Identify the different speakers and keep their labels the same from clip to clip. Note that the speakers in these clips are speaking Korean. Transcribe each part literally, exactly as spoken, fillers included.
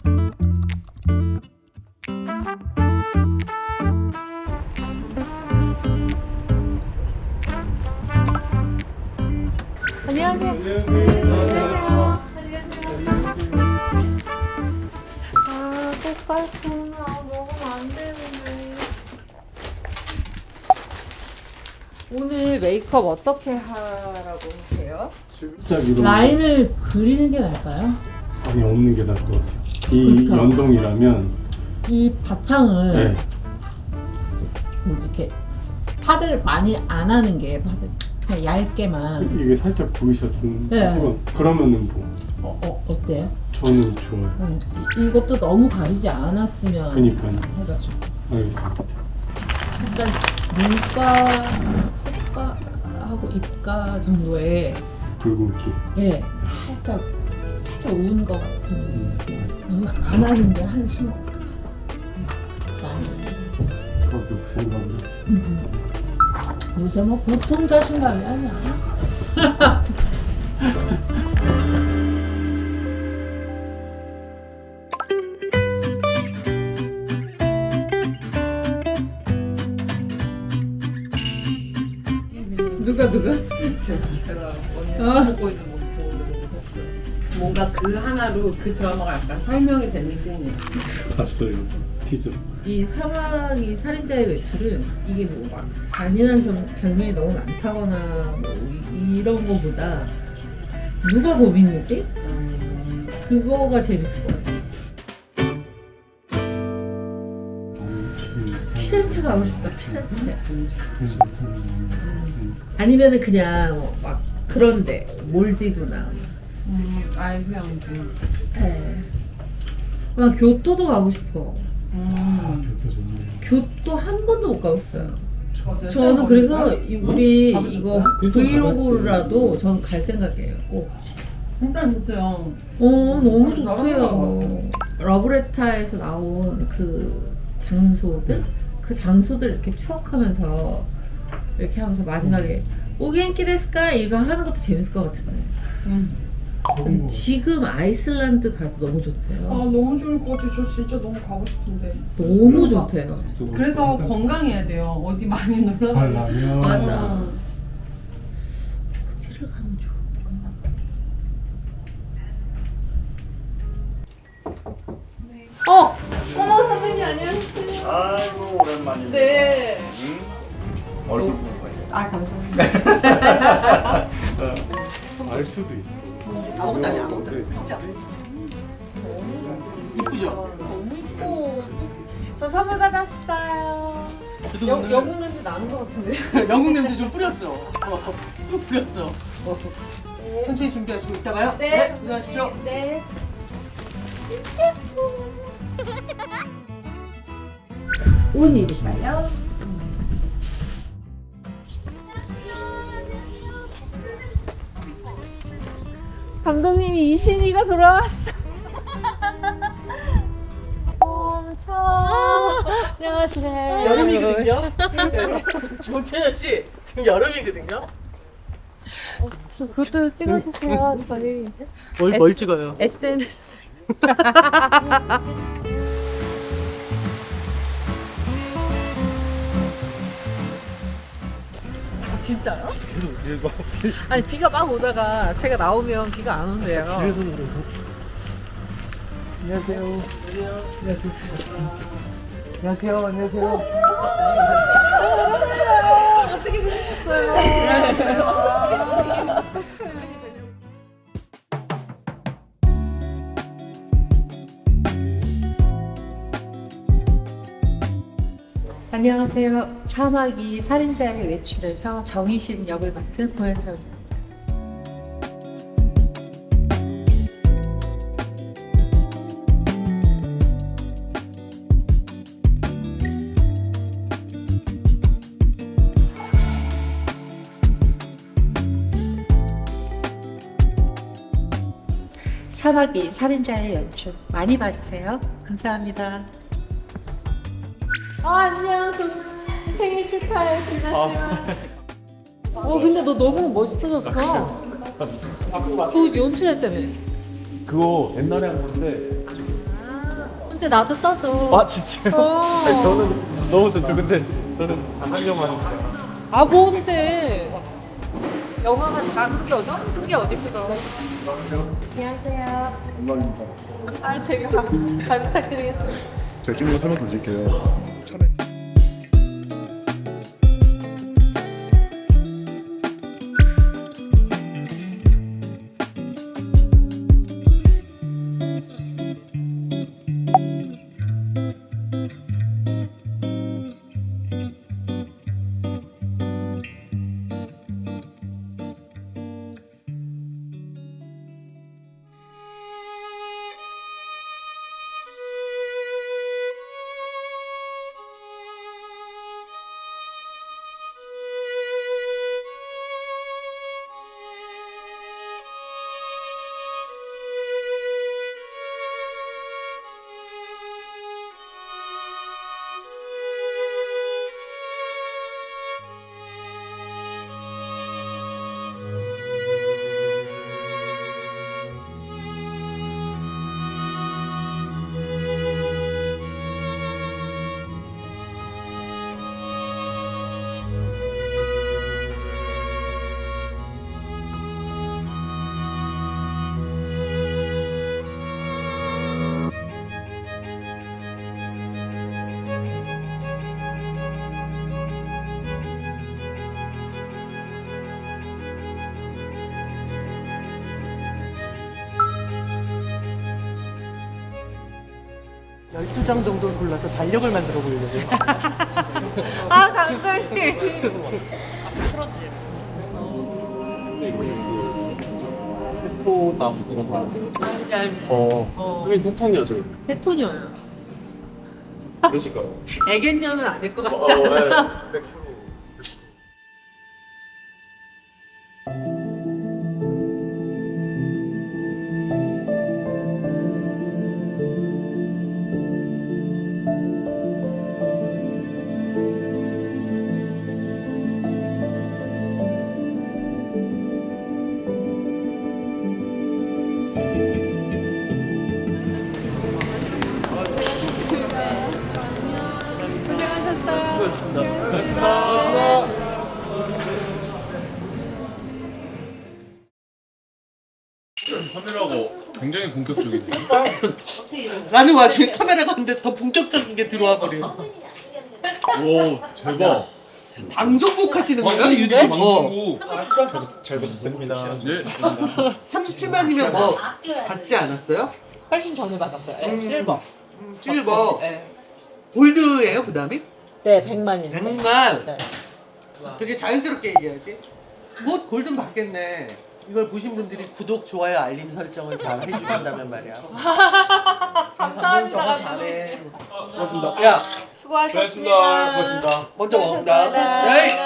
Speaker 1: 안녕하세요.
Speaker 2: 안녕하세요.
Speaker 1: 아, 똑같구나. 먹으면 안 되는데. 오늘 메이크업 어떻게 하라고 하세요?
Speaker 2: 진짜 이런
Speaker 3: 라인을 그리는 게 나을까요?
Speaker 2: 아니 없는 게 나을 것 같아요. 이
Speaker 3: 그렇죠.
Speaker 2: 연동이라면
Speaker 3: 이 바탕을
Speaker 2: 네.
Speaker 3: 뭐 이렇게 파데를 많이 안 하는 게 파데 그냥 얇게만.
Speaker 2: 이게 살짝 보이셨으면
Speaker 3: 네.
Speaker 2: 하지만 그러면은 뭐
Speaker 3: 어, 어 어때요?
Speaker 2: 저는 좋아요.
Speaker 3: 음, 이, 이것도 너무 가리지 않았으면
Speaker 2: 그니까요.
Speaker 3: 해가지고
Speaker 2: 알겠습니다.
Speaker 3: 일단 눈가, 콧가하고 입가 정도에
Speaker 2: 붉은기.
Speaker 3: 예 살짝 살짝 우은 것 같은 느낌. 너무 안 하는데 한숨 많이.
Speaker 2: 저도 그 생각을
Speaker 3: 음. 요새 뭐 보통 자신감이 아니야. 누가 누가?
Speaker 1: 제가 언니
Speaker 3: 어.
Speaker 1: 먹고 있는 모습 보고 너무 웃었어요. 뭔가 그 하나로 그 드라마가 약간 설명이 되는 씬이에요.
Speaker 2: 봤어요. 티저.
Speaker 3: 이 사막이 살인자의 외출은 이게 뭐 막 잔인한 점, 장면이 너무 많다거나 뭐 이- 이런 거보다 누가 범인이지? 그거가 재밌을 것 같아요. 피렌체 가고 싶다. 피렌체. 아니면은 그냥 뭐막 그런데 몰디브나.
Speaker 1: 음, 아이 휴양지.
Speaker 3: 네. 나 교토도 가고 싶어.
Speaker 1: 음.
Speaker 2: 좋다 좋네.
Speaker 3: 교토 한 번도 못 가봤어요.
Speaker 1: 어제
Speaker 3: 저는
Speaker 1: 시험
Speaker 3: 그래서
Speaker 1: 보니까
Speaker 3: 이- 우리
Speaker 1: 가보셨어요?
Speaker 3: 이거
Speaker 2: 교토
Speaker 3: 브이로그라도
Speaker 2: 가봤지.
Speaker 3: 전 갈 생각이에요. 꼭.
Speaker 1: 일단 좋대요.
Speaker 3: 어 너무
Speaker 1: 나가는
Speaker 3: 좋대요.
Speaker 1: 거
Speaker 3: 러브레타에서 나온 그 장소들,
Speaker 2: 네.
Speaker 3: 그 장소들 이렇게 추억하면서 이렇게 하면서 마지막에 오겐키 데스까 이거 하는 것도 재밌을 것 같은데.
Speaker 1: 음.
Speaker 3: 근데 지금 아이슬란드 가도 너무 좋대요.
Speaker 1: 아 너무 좋을 것 같아요. 저 진짜 너무 가고 싶은데.
Speaker 3: 너무
Speaker 1: 그래서-
Speaker 3: 좋대요.
Speaker 1: 그래서 건강해야 돼요. 어디 많이 놀러 가면.
Speaker 2: 가려면
Speaker 3: 맞아. 어디를 가면 좋을까? 어! 어머 선배님 안녕하세요.
Speaker 4: 아이고 오랜만이네.
Speaker 3: 네.
Speaker 4: 응? 얼굴 보는 거예요.
Speaker 1: 아 감사합니다.
Speaker 2: 알 수도 있어.
Speaker 5: 아무것도 아니야, 아무것도
Speaker 2: 네.
Speaker 5: 진짜.
Speaker 1: 이쁘죠?
Speaker 3: 너무 이뻐. 저 선물 받았어요. 영, 영국 냄새 나는 것 같은데.
Speaker 5: 영국 냄새 좀 뿌렸어. 어, 뿌렸어. 어. 천천히 준비하시고 이따 봐요.
Speaker 3: 네.
Speaker 5: 고생하십시오.
Speaker 3: 네. 옷 입을까요? 감독님이 이신이가 돌아왔어. 엄청. 안녕하세요.
Speaker 5: 여름이거든요. 정채연 씨 지금 여름이거든요.
Speaker 3: 그것도 찍어주세요. 저희
Speaker 5: 뭘, 뭘 찍어요?
Speaker 3: 에스엔에스.
Speaker 1: 진짜요?
Speaker 5: 계속 이거
Speaker 1: 아니 비가 막 오다가 제가 나오면 비가 안 온대요.
Speaker 5: 집에서 그러고. 안녕하세요. 안녕하세요. 안녕하세요.
Speaker 1: 어떻게 지내셨어요?
Speaker 3: 안녕하세요. 사막이 살인자의 외출에서 정희신 역을 맡은 고현서입니다. 사막이 살인자의 연출 많이 봐주세요. 감사합니다. 어, 안녕. 생일 축하해. 김나지마. 어, 근데 너 너무 멋있어졌어. 너 연출했다며.
Speaker 2: 그거 옛날에 한 건데
Speaker 3: 근데 나도 써줘.
Speaker 4: 아 진짜요?
Speaker 3: 어.
Speaker 4: 아니, 저는 너무 좋죠. 근데 저는 안 하려고 하니까.
Speaker 3: 아 뭔데? 영화가 작은 게 어디 큰 게 어디 있어? 안녕하세요.
Speaker 6: 영광입니다.
Speaker 3: 아 제가 잘 부탁드리겠습니다.
Speaker 6: 제가 찍는 거 설명 좀 드릴게요. 차례.
Speaker 5: 열두 장 정도 골라서 달력을 만들어 보려고요.
Speaker 3: 아 감독님.
Speaker 4: 포담 이런 거. 어.
Speaker 3: 어.
Speaker 4: 여기 대통령이죠.
Speaker 3: 테토녀요.
Speaker 4: 그러실까요?
Speaker 3: 애견녀는 아닐 것
Speaker 4: 어,
Speaker 3: 같지 않아?
Speaker 4: 네. 백 퍼센트.
Speaker 2: 카메라가 굉장히 본격적이네.
Speaker 5: 라는 와중에 카메라가 근데 더 본격적인 게 들어와 버려.
Speaker 2: 오 대박.
Speaker 5: 방송국 하시는 거예요?
Speaker 2: 방송국
Speaker 5: 유튜브?
Speaker 2: 방송국.
Speaker 6: 잘 부탁드립니다.
Speaker 2: 네.
Speaker 5: 삼십칠만이면 뭐 받지 않았어요?
Speaker 3: 훨씬 전에 받았죠. 네,
Speaker 5: 음.
Speaker 3: 실버.
Speaker 5: 실버.
Speaker 3: 네.
Speaker 5: 골드예요, 그 다음에?
Speaker 3: 네, 백만이요.
Speaker 5: 백만.
Speaker 3: 네.
Speaker 5: 되게 자연스럽게 얘기하지. 뭐 골든 받겠네. 이걸 보신 분들이 구독, 좋아요, 알림 설정을 잘 해주신다면 말이야.
Speaker 3: 감사합니다.
Speaker 5: 저거 잘해.
Speaker 6: 수고하셨습니다.
Speaker 5: 야,
Speaker 3: 수고하셨습니다.
Speaker 4: 수고하셨습니다.
Speaker 5: 먼저 먹는다. 네.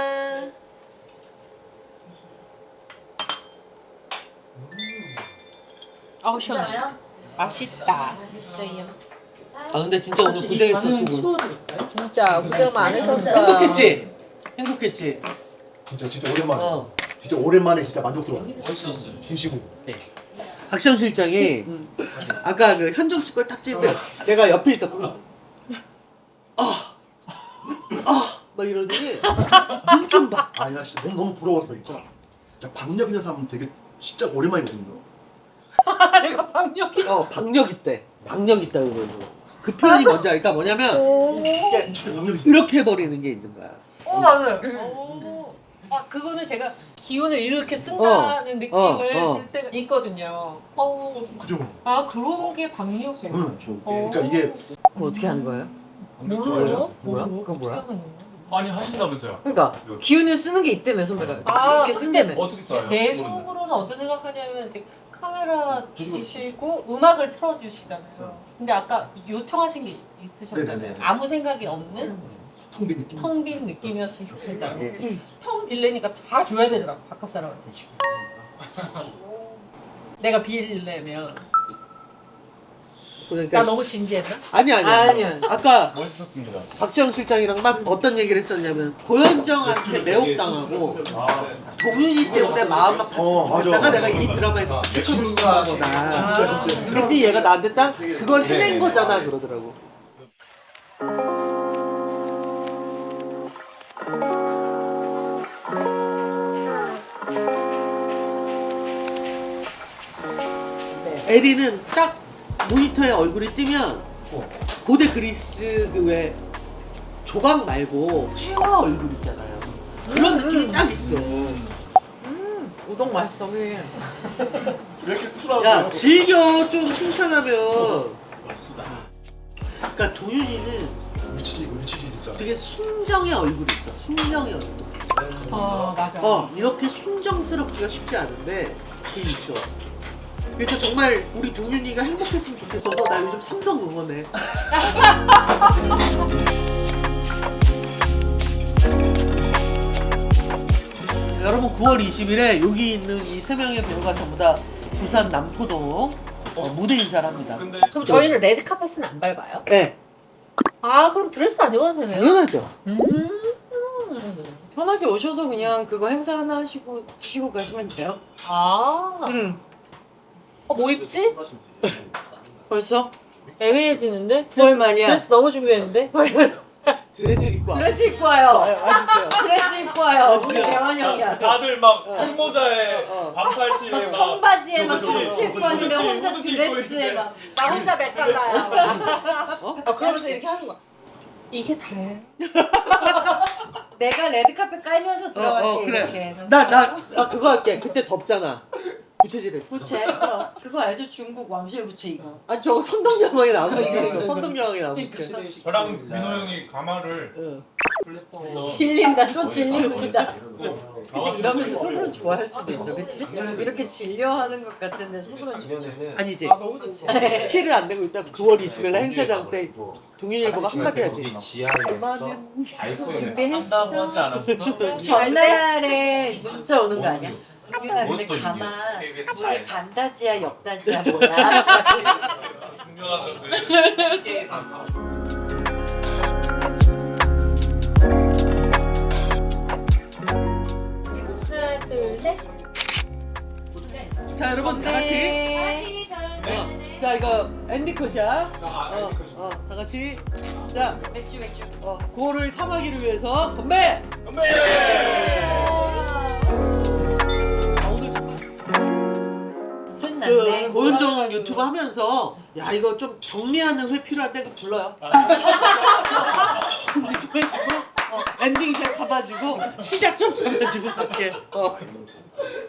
Speaker 3: 아우 시원해. 맛있다.
Speaker 5: 아 근데 진짜 오늘 고생했어 두 분.
Speaker 3: 진짜 고생 많으셨어요.
Speaker 5: 행복했지? 행복했지?
Speaker 6: 진짜 진짜 오랜만에.
Speaker 5: 어.
Speaker 6: 진짜 오랜만에 진짜 만족스러워. 숨쉬고.
Speaker 5: 박시영 실장이 아까 그 현정 씨 걸 딱 찍을 때 내가 옆에 있었고 아, 아, 막 이러더니 눈 좀 봐.
Speaker 6: 아니 나 진짜 너무 너무 부러웠어 진짜. 진짜 박력 있는 사람 되게 진짜 오랜만에 보는 거.
Speaker 3: 내가 박력이.
Speaker 5: 어, 박력 있대. 박력 있다 그러고. 그 표현이 뭔지 알까? 뭐냐면 이렇게
Speaker 6: 진짜 박력 있어.
Speaker 5: 이렇게 해버리는 게 있는 거야.
Speaker 3: 어 맞아요. 오. 아 그거는 제가 기운을 이렇게 쓴다는 느낌을
Speaker 5: 어, 어.
Speaker 3: 줄 때가 있거든요. 어.
Speaker 6: 그죠?
Speaker 3: 아 그런 게 박력이에요.
Speaker 6: 응.
Speaker 3: 어.
Speaker 6: 그러니까 이게
Speaker 7: 그거 어떻게 하는 거예요?
Speaker 3: 뭐예요?
Speaker 7: 뭐야? 그거 뭐야?
Speaker 2: 많이 하신다면서요?
Speaker 7: 그러니까 기운을 쓰는 게 있다며 선배가
Speaker 3: 아,
Speaker 7: 이렇게 쓴다며.
Speaker 2: 어떻게 써요?
Speaker 3: 내 속으로는 어떤 생각하냐면 이제 카메라 주시고 음악을 틀어주시잖아요. 근데 아까 요청하신 게 있으셨잖아요.
Speaker 6: 네네네.
Speaker 3: 아무 생각이 없는
Speaker 6: 텅 빈 느낌.
Speaker 3: 텅 빈 느낌이었으면 좋겠다. 텅 빌래니까 다 줘야 되더라고 바깥 사람한테 지금. 내가 빌려면
Speaker 5: 그러니까
Speaker 3: 나 너무 진지했나?
Speaker 5: 아니 아니
Speaker 7: 아니요.
Speaker 5: 아까
Speaker 2: 멋있었습니다.
Speaker 5: 박지영 실장이랑 막 어떤 얘기를 했었냐면 고현정한테 매혹당하고 동윤이 때문에 마음 막
Speaker 6: 어, 맞아.
Speaker 5: 갔다가 내가 이 드라마에서 체크를 시킨 거다.
Speaker 6: 진짜 진짜.
Speaker 5: 그랬더니 얘가 나한테 딱 그걸 해낸 거잖아 그러더라고. 에리는 딱 모니터에 얼굴이 뜨면 고대 그리스 그 왜 조각 말고 회화 얼굴 있잖아요. 그런 느낌이 딱 있어.
Speaker 7: 음, 우동 맛있어. 왜?
Speaker 6: 왜 이렇게 쿨하고?
Speaker 5: 야 즐겨 좀 칭찬하면. 그러니까 도윤이는
Speaker 6: 미치지 이거 미치지 진짜.
Speaker 5: 되게 순정의 얼굴이 있어. 순정의 얼굴.
Speaker 3: 어 맞아.
Speaker 5: 어 이렇게 순정스럽기가 쉽지 않은데 그게 있어. 그래서 정말 우리 동윤이가 행복했으면 좋겠어서 나 요즘 삼성 응원해. 여러분 구월 이십일에 여기 있는 이 세 명의 배우가 전부 다 부산 남포동 어, 무대 인사를 합니다.
Speaker 2: 근데
Speaker 3: 그럼 저희는 레드 카펫은 안 밟아요?
Speaker 5: 네,
Speaker 3: 아 그럼 드레스 안 입어도 되네요?
Speaker 5: 당연하죠.
Speaker 3: 음.
Speaker 7: 편하게 오셔서 그냥 그거 행사 하나 하시고 드시고 가시면 돼요.
Speaker 3: 아.
Speaker 7: 응.
Speaker 3: 어, 뭐 입지?
Speaker 7: 벌써?
Speaker 3: 애매해지는데?
Speaker 7: 구월 말이야.
Speaker 3: 드레스 너무 준비했는데?
Speaker 5: 드레스를 입고
Speaker 7: 드레스 입고 와요.
Speaker 5: 와주세요.
Speaker 7: 드레스 입고 와요. 우리 대환 형이야.
Speaker 2: 다들 막 흰모자에
Speaker 5: 어.
Speaker 2: 반팔티에
Speaker 7: 막
Speaker 2: 막
Speaker 7: 청바지에 막
Speaker 2: 후드티,
Speaker 7: 셔츠 입고 왔는데
Speaker 2: 후드티,
Speaker 7: 혼자
Speaker 2: 후드티 입고
Speaker 7: 드레스에
Speaker 2: 있는데.
Speaker 7: 막 나 혼자 맥갈라야.
Speaker 3: 어, 그러면서 이렇게 하는 거야. 이게 다예요?
Speaker 7: 내가 레드카펫 깔면서 들어갈게
Speaker 5: 어, 어, 그래.
Speaker 7: 이렇게.
Speaker 5: 나, 나, 나 그거 할게. 그때 덥잖아. 부채질해.
Speaker 7: 부채. 어, 그거 알죠? 중국 왕실 부채 이거.
Speaker 5: 아, 저거 선덕여왕에 나온
Speaker 7: 이거, 이거,
Speaker 5: 부채였어.
Speaker 7: 이거.
Speaker 5: 선덕여왕에 나온 부채.
Speaker 2: 저랑 민호 형이 가마를
Speaker 5: 응.
Speaker 7: 질린다 또 질린다. 근데 이러면서 속으로 좋아할 수도 있어, 그치? 이렇게 질려하는 것 같은데 속으로 좋죠.
Speaker 5: 아니지.
Speaker 3: 아 너무 좋지.
Speaker 5: 티를 안 내고 있다. 구월 이십일 날 행사장 때 동윤일보가 한마디 하지.
Speaker 8: 지하에서
Speaker 7: 준비했어.
Speaker 2: 한다고 하지 않았어?
Speaker 7: 전날에 문자 오는 거 아니야? 유나 근데
Speaker 2: 몬스터
Speaker 7: 가만
Speaker 2: 인디오.
Speaker 7: 우리 반다지야 역다지야 뭐야?
Speaker 2: 중요하던데.
Speaker 3: 하나 둘 셋.
Speaker 5: 자, 여러분 다 같이.
Speaker 7: 네.
Speaker 5: 어, 자, 이거 엔딩컷이야. 어, 어, 다 같이. 자,
Speaker 7: 맥주 맥주.
Speaker 5: 어, 구월을 삼하기를 위해서 건배!
Speaker 2: 건배!
Speaker 5: 아, 오늘 정말.
Speaker 7: 끝났네.
Speaker 5: 그 고현정 유튜브 하면서 야 이거 좀 정리하는 회 필요한데 그거 불러요. 정리 좀 해주고 어, 엔딩샷 잡아주고 시작 좀 잡아주고 할게. 어.